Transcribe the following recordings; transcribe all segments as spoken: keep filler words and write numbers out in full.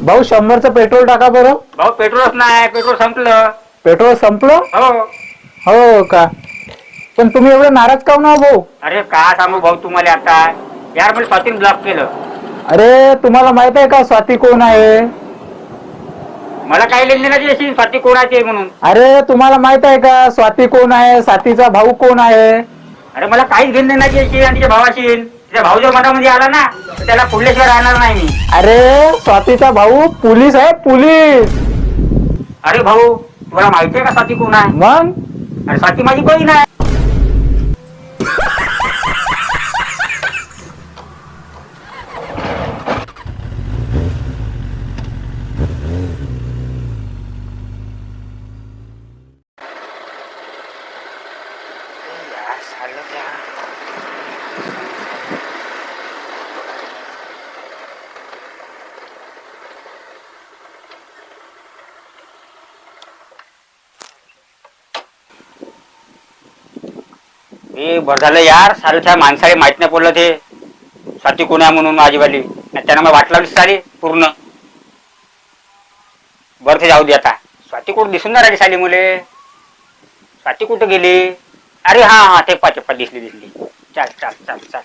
भाऊ शंभरचं पेट्रोल टाका बरं. भाऊ पेट्रोलच नाही, पेट्रोल संपलं. पेट्रोल संपलं? हो. हो का? पण तुम्ही एवढे नाराज का ना भाऊ? अरे का सांगू भाऊ तुम्हाला आता, यार मला स्वातीने ब्लॉक केलं. अरे तुम्हाला माहित आहे का स्वाती कोण आहे? मला काही लेन देण्याची अशी स्वाती कोणाची आहे म्हणून. अरे तुम्हाला माहित आहे का स्वाती कोण आहे? स्वातीचा भाऊ कोण आहे? अरे मला काहीच घेण देण्याची अशी आणि तिच्या भावाशी. तिचा भाऊ जर मनामध्ये आला ना तर त्याला पुढल्याशिवाय राहणार नाही मी. अरे स्वातीचा भाऊ पोलीस आहे, पोलीस. अरे भाऊ तुला माहिती आहे का स्वाती कोण आहे? मग अरे स्वाती माझी बहीण आहे. ए बरं झालं यार, सारं त्या माणसाला माहित नाही पडलं ते स्वाती कोण आहे म्हणून माझीवाली. त्यानं मला वाट लावली सारी पूर्ण. बरं ते जाऊ दे आता. स्वाती कुठं दिसून नाही राहिली साली मुले. स्वाती कुठं गेली? अरे हा हा तेपा तेपा दिसली दिसली. चाल चाल चाल चाल.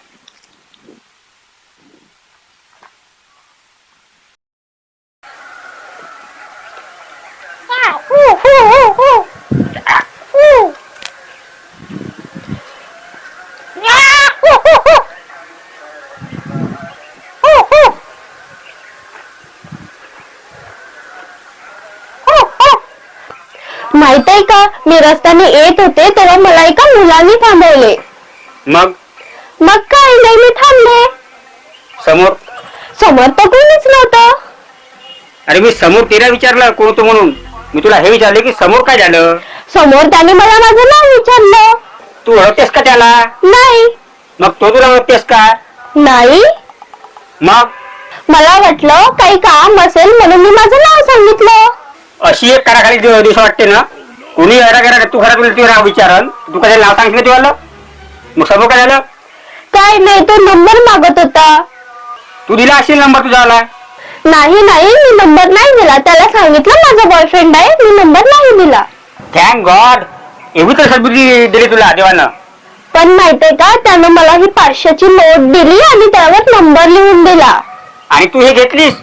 माहित आहे का, मी रस्त्याने येत होते तेव्हा मला एका मुलांनी थांबवले. मग मग काय नाही, मी थांबले. समोर समोर तर कोणीच नव्हतं. अरे मी समोर तिला विचारलं कोण होतो म्हणून. मी तुला हे विचारले की समोर काय झालं. समोर त्याने मला माझं नाव विचारलं. तू ओळखतेस का त्याला? नाही. मग तो तुला ओळखतेस का? नाही. मग मला वाटलं काही काम असेल म्हणून मी माझं नाव सांगितलं. अशी एक काराखाली दिवस वाटते ना. कोणी करा तू खरा तुला तुझं नाव विचारल, तू काय नाव सांगितलं तुला? मग समोर काय झालं? काय नाही, तो नंबर मागत होता. तू दिला असेल नंबर तुझा आला. नाही नाही, मी नंबर नाही दिला. त्याला सांगितलं माझा बॉयफ्रेंड आहे, मी नंबर नाही दिला. थँक गॉड, एवढी तर सद्बुद्धी दिली तुला देवानं. पण माहितीये का, त्यानं मला ही पाचशेची नोट दिली आणि त्यावर नंबर लिहून दिला. आणि तू हे घेतलीस.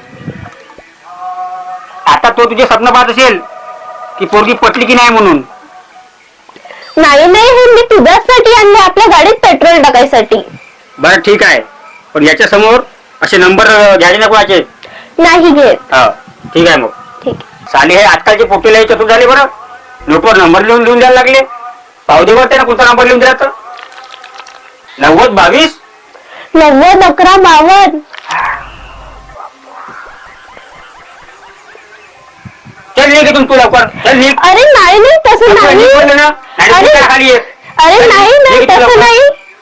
आता तो तुझे स्वप्न पाहत असेल की पोरगी पटली की नाही म्हणून. नाही नाही, हे मी तुझ्यासाठी आणले, आपल्या गाडीत पेट्रोल टाकायसाठी. बरं ठीक आहे, पण याच्या समोर असे नंबर घ्यायचे नाही कोणाचे. नाही घेत. हा ठीक आहे. मग ठीक. साले हे आजकालचे पोटेला चतुर झाले बरं. नोटवर नंबर लिहून लिहून द्यायला लागले. पाहू दे बरं त्यानं कोणता नंबर लिहून दिला तर. नव्वद बावीस नव्वद अकरा बावन्न. चल निघ इथून तू लवकर. चल निघ. अरे नाही नाही, तसं नाही. अरे खाली ये. अरे नाही नाही, तसं नाही.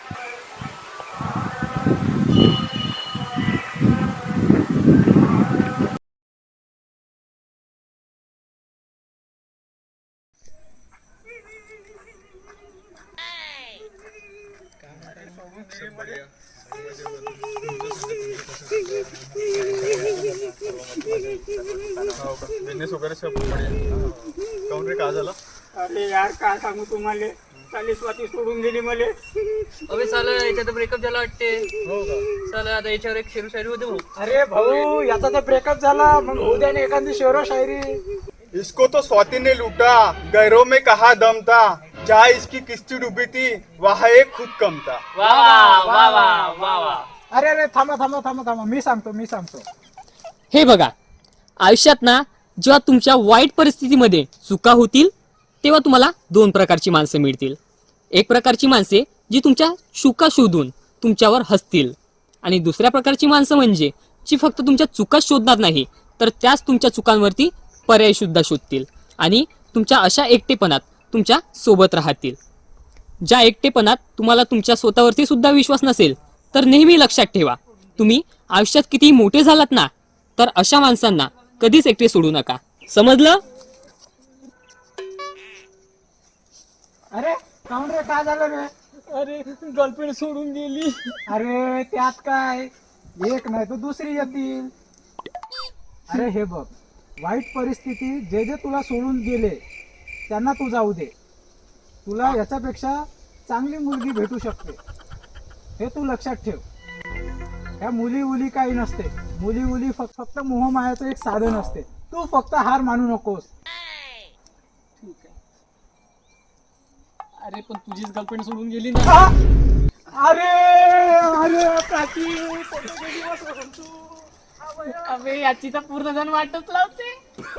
बिझनेस वगैरे सब बढिया. काऊन रे काय झालं? अरे यार काय सांगू तुम्हाला, साली स्वाती सोडून गेली मले. अबे साला याच्यात ब्रेकअप झाला वाटते. हो का? साला आता याच्यावर एक शेरू शायरी होते भाऊ. अरे भाऊ, याचा तर ब्रेकअप झाला, मग उद्या ना एखादी शेरो शायरी. इसको तो स्वाति ने लूटा, गैरों में कहा दम था, जहाँ इसकी किस्ती डूबी थी वहाँ एक खुद कम था. वा वा वा वा वा वा. अरे अरे थांबा थांबा थांबा थांबा, मी सांगतो मी सांगतो. हे बघा, आयुष्यात ना जेव्हा तुमच्या वाईट परिस्थितीमध्ये चुका होतील तेव्हा तुम्हाला दोन प्रकारची माणसं मिळतील. एक प्रकारची माणसे जी तुमच्या चुका शोधून तुमच्यावर हसतील, आणि दुसऱ्या प्रकारची माणसं म्हणजे जी फक्त तुमच्या चुका शोधणार नाही तर त्याच तुमच्या चुकांवरती पर्याय सुद्धा शोधतील आणि तुमच्या अशा एकटेपणात तुमच्या सोबत राहतील. ज्या एकटेपणात तुम्हाला तुमच्या स्वतःवरती सुद्धा विश्वास नसेल तर नेहमी लक्षात ठेवा, तुम्ही आयुष्यात किती मोठे झालात ना तर अशा माणसांना कधीच एकटे सोडू नका. समजलं? अरे काऊन रे, काय झालं रे? अरे गर्लफ्रेंड सोडून गेली. अरे त्यात काय, एक नाही तर दुसरी येतील. अरे हे बघ, वाईट परिस्थिती जे जे तुला सोडून गेले त्यांना तू जाऊ दे. तुला याच्यापेक्षा चांगली मुलगी भेटू शकते, हे तू लक्षात ठेव. ह्या मुली उली काही नसते. मुली उली फक्त फक्त मोहमायाचं एक साधन असते. तू फक्त हार मानू नकोस. ठीक आहे. अरे पण तुझीच गर्लफ्रेंड सोडून गेली ना. आ! अरे अरे प्राची, कोणते दिवस होते तू? अबे याची तर पूर्ण जण वाटच लावते.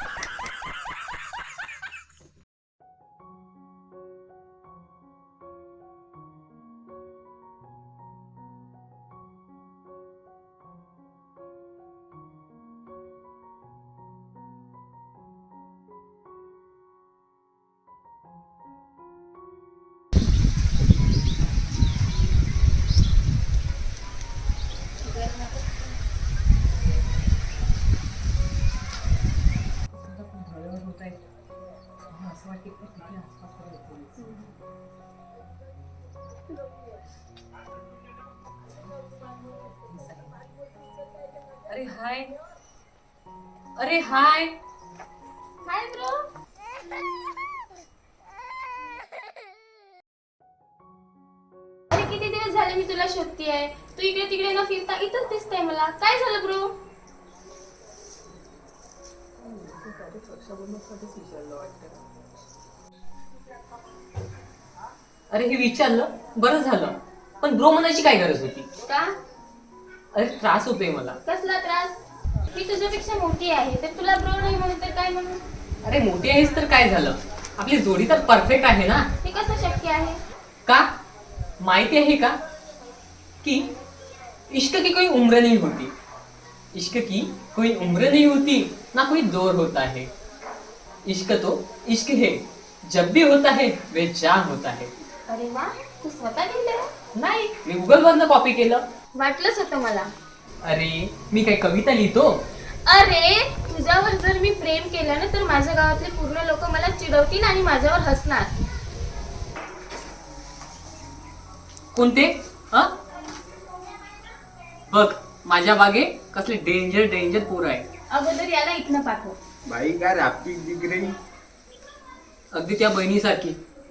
अरे हाय अरे हाय हाय ब्रो. अरे किती दिवस झाले मी तुला शोधतीये. तू इकडे तिकडे न फिरता इथंच दिसतंय मला. काय झालं ब्रो? अरे हे विचारलं बरं झालं, पण ब्रो म्हणायची काय गरज होती? का? अरे त्रास होतोय मला. कसला त्रास? मी तुझ्यापेक्षा मोठी आहे तर तुला ब्रो नाही म्हणून तर काय म्हणू? अरे मोठी आहेस तर काय झालं, आपली जोडी तर परफेक्ट आहे ना. हे कसं शक्य आहे? का माहिती आहे का कि इश्क की कोई उम्र नहीं होती, इश्क की कोई उम्र नहीं होती ना कोई दौर होता है. इश्क तो इश्क है, जब भी होता है वे जान होता है. अरे वा, तू स्वतः लिहिलंय? नाही, मी गुगल वरनं कॉपी केलं. वाटलंच होतं मला. अरे मी काय कविता लिहितो? अरे तुझ्यावर जर मी प्रेम केलं ना तर माझ्या गावातले पूर्ण लोक मला चिडवतील आणि माझ्यावर हसणार. कोणते? हा बघ माझ्या बागे कसले डेंजर डेंजर पोरं आहे. अगोदर याला इथनं पाठव. भाई काय राप्ती दिख रही. अगदी त्या बहिणीसारखी.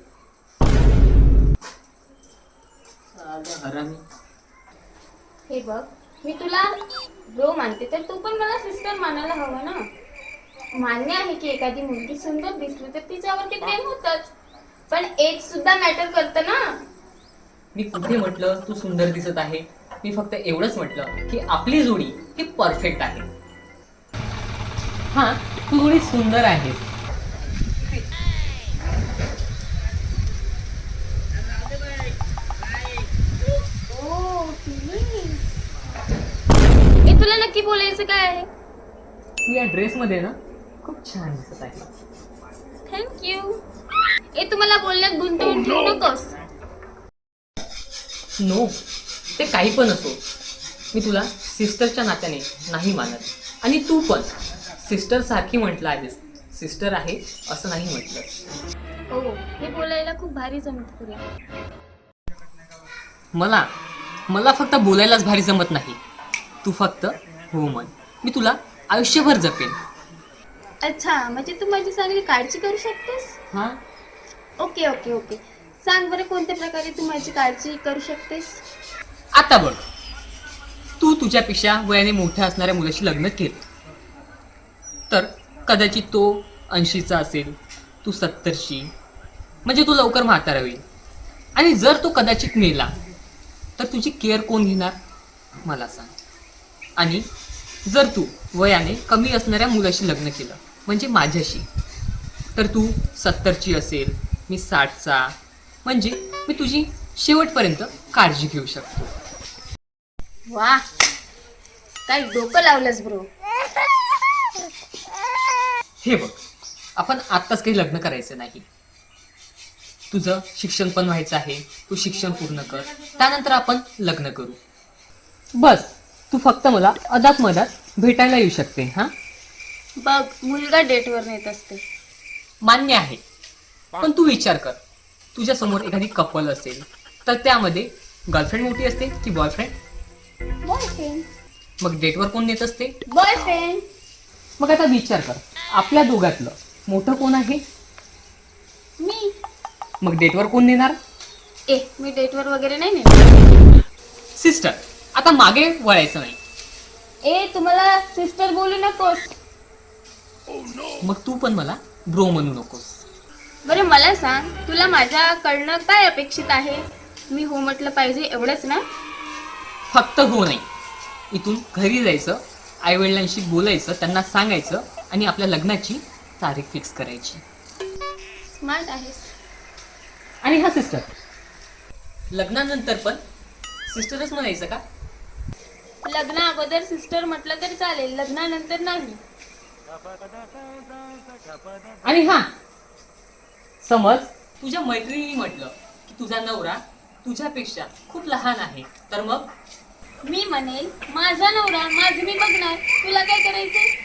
साला हरामी. हे बघ, मी तुला ब्रो मानते तर तू पण मला सिस्टर मानायला हवं ना. मान्य आहे की एखादी मुलगी सुंदर दिसली तर तिच्यावरती प्रेम होतच, पण एज सुद्धा मॅटर करतं ना. मी कुठे म्हटलं तू सुंदर दिसत आहे? मी फक्त एवढंच म्हटलं की आपली जोडी ही परफेक्ट आहे. हा तू थोडी सुंदर आहे. ओ प्लीज. हे तुला नक्की बोलायचं काय आहे? तू या ड्रेस मध्ये ना खूप छान दिसत आहे. थँक्यू. हे तुम्हाला बोलण्यात गुंतवून ठेवू नकोस. नो, ते काही पण असो, मी तुला सिस्टरच्या नात्याने नाही मानत. आणि तू पण सिस्टर सारखी म्हटलं आहेस. सिस्टर आहे असं नाही म्हटलं. हो, हे बोलायला खूप भारी जमत तुला. मला मला फक्त बोलायलाच भारी जमत नाही. तू फक्त हो म्हण, मी तुला आयुष्यभर जपेन. अच्छा, म्हणजे तू माझी चांगली काळजी करू शकतेस? हा ओके ओके ओके. सांग बरं कोणत्या प्रकारे तू माझी काळजी करू शकतेस? आता बघ, तू तुझ्यापेक्षा वयाने मोठ्या असणाऱ्या मुलाशी लग्न केलं तर कदाचित तो ऐंशीचा असेल, तू सत्तरची, म्हणजे तू लवकर म्हातारा होईल. आणि जर तो कदाचित मेला तर तुझी केअर कोण घेणार मला सांग. आणि जर तू वयाने कमी असणाऱ्या मुलाशी लग्न केलं म्हणजे माझ्याशी, तर तू सत्तरची असेल, मी साठचा, म्हणजे मी तुझी शेवटपर्यंत काळजी घेऊ शकतो. वा, काय डोकं लावलंस ब्रो. हे बघ, आपण आत्ताच काही लग्न करायचं नाही. तुझं शिक्षण पण व्हायचं आहे, तू शिक्षण पूर्ण कर, त्यानंतर आपण लग्न करू. बस तू फक्त मला अदात मधात भेटायला येऊ शकते. हा बघ, मुलगा डेटवर नेत असते. मान्य आहे, पण तू विचार कर, तुझ्या समोर एखादी कपल असेल तर त्यामध्ये गर्लफ्रेंड मोठी असते की बॉयफ्रेंड? बॉयफ्रेंड. मग डेटवर कोण नेत असते? बॉयफ्रेंड. मग आता विचार कर, आपल्या दोघातलं मोठं कोण आहे? मी मग डेटवर कोण नेणार? ए मी डेटवर वगैरे नाही नेणार. सिस्टर, आता मागे वळायचं नाही. ए तुम्हाला सिस्टर बोलू नकोस. मग तू पण मला ब्रो म्हणू नकोस. बरं मला सांग, तुला माझ्याकडनं काय अपेक्षित आहे? मी हो म्हटलं पाहिजे एवढंच ना? फक्त हो नाही, इथून घरी जायचं, आई वडिलांशी बोलायचं, त्यांना सांगायचं आणि आपल्या लग्नाची तारीख फिक्स करायची. स्मार्ट आहेस. आणि हा सिस्टर, लग्नानंतर पण सिस्टरच म्हणायचं का? लग्ना अगोदर सिस्टर म्हटलं तर चालेल, लग्नानंतर नाही. आणि हा, समज तुझ्या मैत्रिणी म्हटलं की तुझा नवरा तुझ्यापेक्षा खूप लहान आहे, तर मग मी म्हणेल माझा नवरा माझं मी बघणार, तुला काय करायचंय?